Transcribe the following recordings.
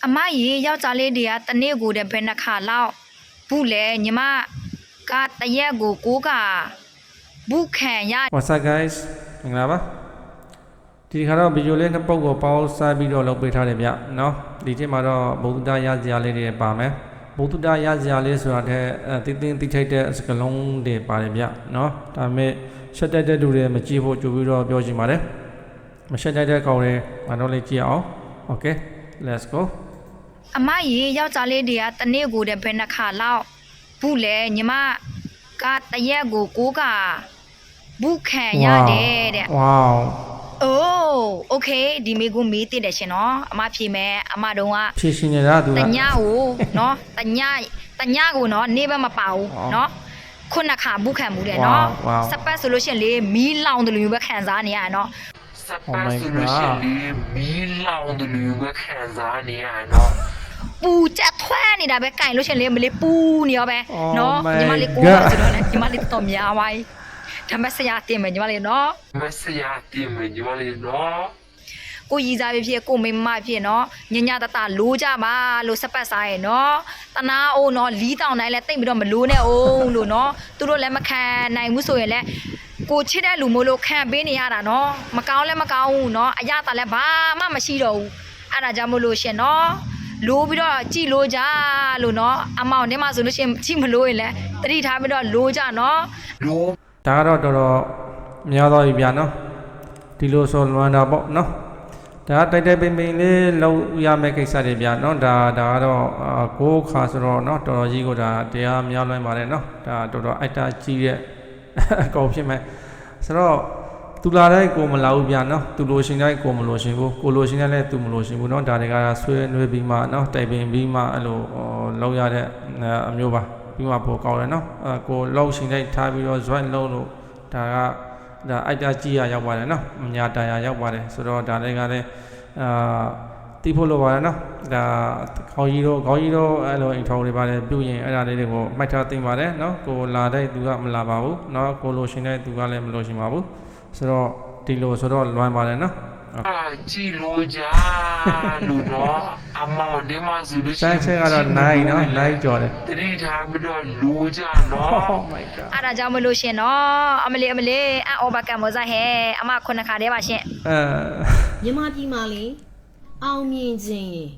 အမရေယောက်ျားလေးတွေကတနေ့ကိုတဲ့ဘယ်နှခါလောက်ဘူးလေညီမကတရက်ကိုကိုကဘူးခံရ What's up guys မင်္ဂလာပါဒီခါတော့ဗီဒီယိုလေးနှစ်ပုတ်ကိုပေါင်းစားပြီးတော့လုပ်ပေးထားတယ်ဗျเนาะဒီချိန်မှာတော့ဘုဒ္ဓရစရာလေးတွေပါမယ်ဘုဒ္ဓရစရာလေးဆိုတာတဲ့တင်းတိထိုက်တဲ့စကလုံးတွေပါတယ်ဗျเนาะဒါပေမဲ့ရှက်တက်တဲ့လူတွေမကြည့်ဖို့ကြိုပြီးတော့ပြောချင်ပါတယ်မရှက်တက်တဲ့ကောင်တွေငါတို့လေးကြည့်အောင် Okay let's go အမရေယောက်ျားလေးတွေကတနေ့ကိုတဲ့ဘယ်နှခါလောက်ဘူးလေညီမကတရက်ကိုကိုကဘူးခံရတယ်တဲ့ Wow အိုးโอเคဒီမေကိုမေးသိတယ်ရှင်နော်အမဖြေမယ်အမတုံးကဖြည့်ရှင်နေတာသူကတညကိုနော်တညကိုနော်နေဘက်မပါဘူးနော်ခုနှစ်ခါဘူးခံမှုတယ်နော်စပတ်ဆိုလို့ရှင်လေမီးလောင်တယ်လို့မျိုးပဲခံစားနေရနော်စပတ်ဆိုလို့ရှိရင်မီးလောင်တယ်လို့ပဲခံစားနေရနော်ပူချက်ထွန်းနေတာပဲကြိုင်လို့ရှင်လေမလေးပူနေရောပဲနော်ညီမလေးကိုဆိုတော့လေညီမလေးတော့များပါ ဒါမဲ့ဆရာတင်မယ်ညီမလေးနော်မဆရာတင်မယ်ညီမလေးနော်ကိုရီစားဖြစ်ကိုမိမဖြစ်နော်ညညတတလိုးကြပါလို့စပတ်စားရဲ့နော်တနာအိုးနော်လီးတောင်တိုင်းလဲတိတ်ပြီးတော့မလိုးနဲ့အောင်လို့နော်သူတို့လည်းမခံနိုင်ဘူးဆိုရင်လည်းကိုချစ်တဲ့လူမို့လို့ခံပေးနေရတာနော်မကောင်းလည်းမကောင်းဘူးနော်အရတာလည်းဘာမှမရှိတော့ဘူးအဲ့ဒါကြောင့်မို့လို့ရှင်နော်လိုးပြီးတော့ကြည်လို့ကြလို့နော်အမောင်ထဲမှာဆိုလို့ရှင်ကြည်မလို့ရင်လည်းတတိထားပြီးတော့လိုးကြနော်လိုးဒါကတော့တော်တော်များတော့ပြီဗျာနော်ဒီလိုဆိုလွမ်းတာပေါ့နော်ဒါတိုက်တိုက်ပိန်ပိန်လေးလောက်ရမယ့်ကိစ္စတွေဗျာနော်ဒါကတော့ကိုးခါဆိုတော့နော်တော်တော်ကြီးကိုဒါတရားများလွှမ်းပါတယ်နော်ဒါတော်တော်အိုက်တာကြီးတဲ့အကောင်ဖြစ်မဲ့ဆိုတော့သူလာတိုင်းကိုမလာဘူးဗျာနော်သူလိုရှင်တိုင်းကိုမလိုရှင်ဘူးကိုလိုရှင်တိုင်းလည်းသူမလိုရှင်ဘူးနော်ဒါတွေကဆွဲနှွေးပြီးမှနော်တိုက်ပိန်ပြီးမှအဲ့လိုလောက်ရတဲ့အမျိုးပါပြီးမှပိုကောင်းတယ်နော်ကိုလောက်ရှင်တိုင်းထားပြီးတော့ join လုပ်လို့ဒါအိုက်တာကြီးရရောက်ပါတယ်နော်အညာတရာရောက်ပါတယ်ဆိုတော့ဒါတွေကလည်းတီးဖို့လိုပါတယ်နော်ဒါခေါင်းကြီးတော့အဲ့လိုအိမ်ထောင်တွေပါတယ်ပြုရင်အဲ့ဒါလေးတွေကိုမှတ်ထားသိပါတယ်နော်ကိုလာတဲ့သူကမလာပါဘူးနော်ကိုလိုရှင်တဲ့သူကလည်းမလိုရှင်ပါဘူးဆိုတော့ဒီလိုဆိုတော့လွမ်းပါတယ်နော်ကြည်လို့ကြလို့နော်အမောင်ဒီမှာဆိုလို့ရှိရင်ဆိုင်ကတော့နိုင်နော်နိုင်ကြော်တယ်တတိထားပြီးတော့လိုကြနော် Oh my god အဲ့ဒါကြောင့်မလို့ရှင်နော်အမလေးအော်ဘကံမောစားဟဲ့အမခုနှစ်ခါတည်းပါရှင်မြန်မာပြည်မှာလေအောင်မြင်ခြင်းရေ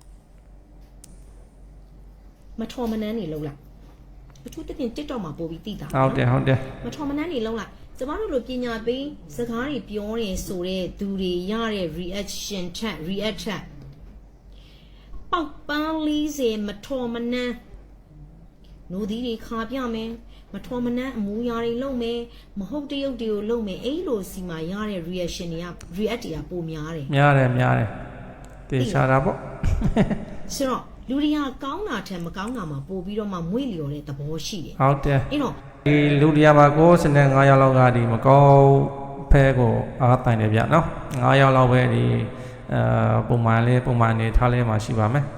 မထော်မနှမ်းနေလုံးလိုက်အထူးသဖြင့် TikTok မှာပို့ပြီးတည်တာဟုတ်တယ်မထော်မနှမ်းနေလုံးလိုက်ကျမတို့လိုပညာပေးစကားတွေပြောနေဆိုတဲ့သူတွေရတဲ့ reaction ထက် react ထက်ပေါက်ပန်း40မထော်မနှမ်းနိုးသီးတွေခါပြမယ်မထော်မနှမ်းအမူအရာတွေလုပ်မယ်မဟုတ်တရုပ်တွေကိုလုပ်မယ်အဲ့လိုစီမှာရတဲ့ reaction တွေက react တွေကပိုများတယ်တေချာတာပေါ့ဆိုတော့လူတွေကကောင်းတာထက်မကောင်းတာမှာပို့ပြီးတော့မှမွေ့လျော်တဲ့သဘောရှိတယ်ဟုတ်တယ်အဲ့တော့ဒီလူတရားမှာ9ယောက်လောက်ကဒီမကောင်းဖဲကိုအားတိုင်တယ်ဗျနော်9ယောက်လောက်ပဲဒီပုံမှန်နေထားလဲမှာရှိပါမယ်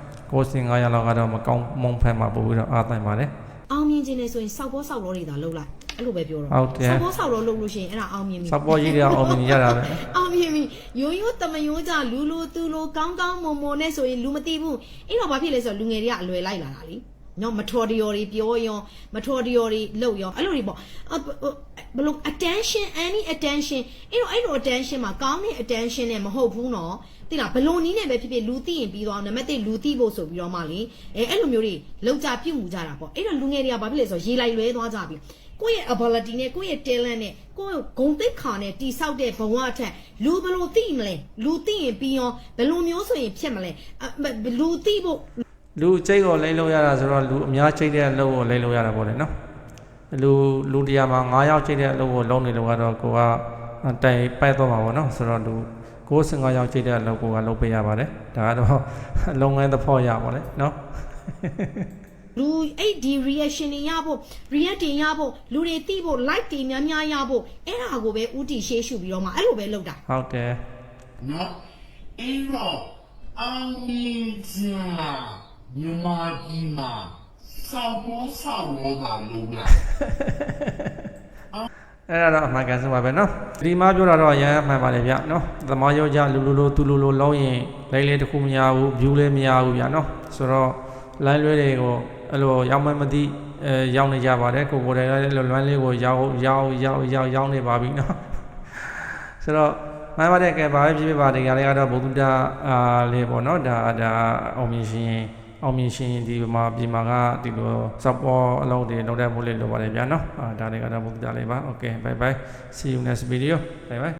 9ယောက်လောက်ကတော့မကောင်းမုံဖဲမှာပို့ပြီးတော့အားတိုင်ပါတယ်အောင်မြင်ခြင်းနဲ့ဆိုရင်စောက်ဘောတွေသာလှုပ်လိုက်အဲ့လိုပဲပြောတော့ဟုတ်တယ်စောက်ဘောလှုပ်လို့ရှိရင်အဲ့ဒါအောင်မြင်ပြီစောက်ဘောကြီးတွေအောင်မြင်ရတာပဲအောင်မြင်ပြီရိုးတမယိုးကြလူသူလိုကောင်းမွန်နဲ့ဆိုရင်လူမသိဘူးအဲ့တော့ဘာဖြစ်လဲဆိုတော့လူငယ်တွေကအလွယ်လိုက်လာတာလीနော်မထော်တရော်တွေပြောရောမထော်တရော်တွေလှုပ်ရောအဲ့လိုတွေပေါ့ဘလို့ attention any attention အဲ့လို attention မှာကောင်းတဲ့ attention နဲ့မဟုတ်ဘူးနော်သိလားဘလို့နီးနဲ့ပဲဖြစ်လူသိရင်ပြီးသွားနံပါတ်1လူသိဖို့ဆိုပြီးတော့မှလေအဲ့လိုမျိုးတွေလောက်ကြပြုတ်မှုကြတာပေါ့အဲ့တော့လူငယ်တွေကဘာဖြစ်လဲဆိုတော့ရေလိုက်လွဲသွားကြပြီကိုယ့်ရဲ့ ability နဲ့ကိုယ့်ရဲ့ talent နဲ့ကိုယ့်ဂုဏ်သိက္ခာနဲ့တိဆောက်တဲ့ဘဝအထက်လူဘလို့သိမလဲလူသိရင်ပြီးရောဘလို့မျိုးဆိုရင်ဖြစ်မလဲလူသိဖို့လူချိတ်ကိုလိမ့်လို့ရတာဆိုတော့လူအများချိတ်တဲ့အလုပ်ကိုလိမ့်လို့ရတာပေါ့လေနော်လူတရားမှာ9ယောက်ချိတ်တဲ့အလုပ်ကိုလုံးနေလို့ကတော့ကိုကတိုင်ပိုက်တော့မှာပေါ့နော်ဆိုတော့လူ95ယောက်ချိတ်တဲ့အလုပ်ကိုကလုပ်ပေးရပါတယ်ဒါကတော့လုပ်ငန်းတစ်ဖောက်ရပါလေနော်လူအဲ့ဒီ reaction တွေရဖို့ react တွေရဖို့လူတွေသိဖို့ like တွေများရဖို့အဲ့ဒါကိုပဲဥတီရှေးရှုပြီးတော့မှအဲ့လိုပဲလုပ်တာဟုတ်တယ်နော်အဲ့တော့အောင်မြင်ခြင်းမြန်မာပြည်မှာစောက်ဘောကလုံးလာအဲ့ဒါတော့အမှန်ကန်ဆုံးပါပဲနော်ဒီမှာပြောတာတော့ရမ်းမှန်ပါတယ်ဗျနော်သမားယောက်ျားလူလိုသူလိုလုံးရင်လိုက်လေတစ်ခုမရဘူး view လည်းမရဘူးဗျနော်ဆိုတော့ line လွဲတွေကိုအဲ့လိုရောက်မှမသိရောက်နေကြပါတယ်ကိုယ်တိုင်လည်းလွမ်းလေးကိုရောက်နေပါပြီနော်ဆိုတော့မှန်ပါတယ်ကဲဘာပဲဖြစ်ဖြစ်ပါဒီကလေးကတော့ဘုဒ္ဓလေးပေါ့နော်ဒါအောင်မြင်ရှင်ဒီမှာပြည်မှာကဒီလိုစပေါ်အလုံးတွေလောက်တဲ့ဖို့လေးလိုပါတယ်ဗျာနော်ဒါလေးကတော့ဘုဒ္ဓလေးပါ okay bye bye see you next video bye bye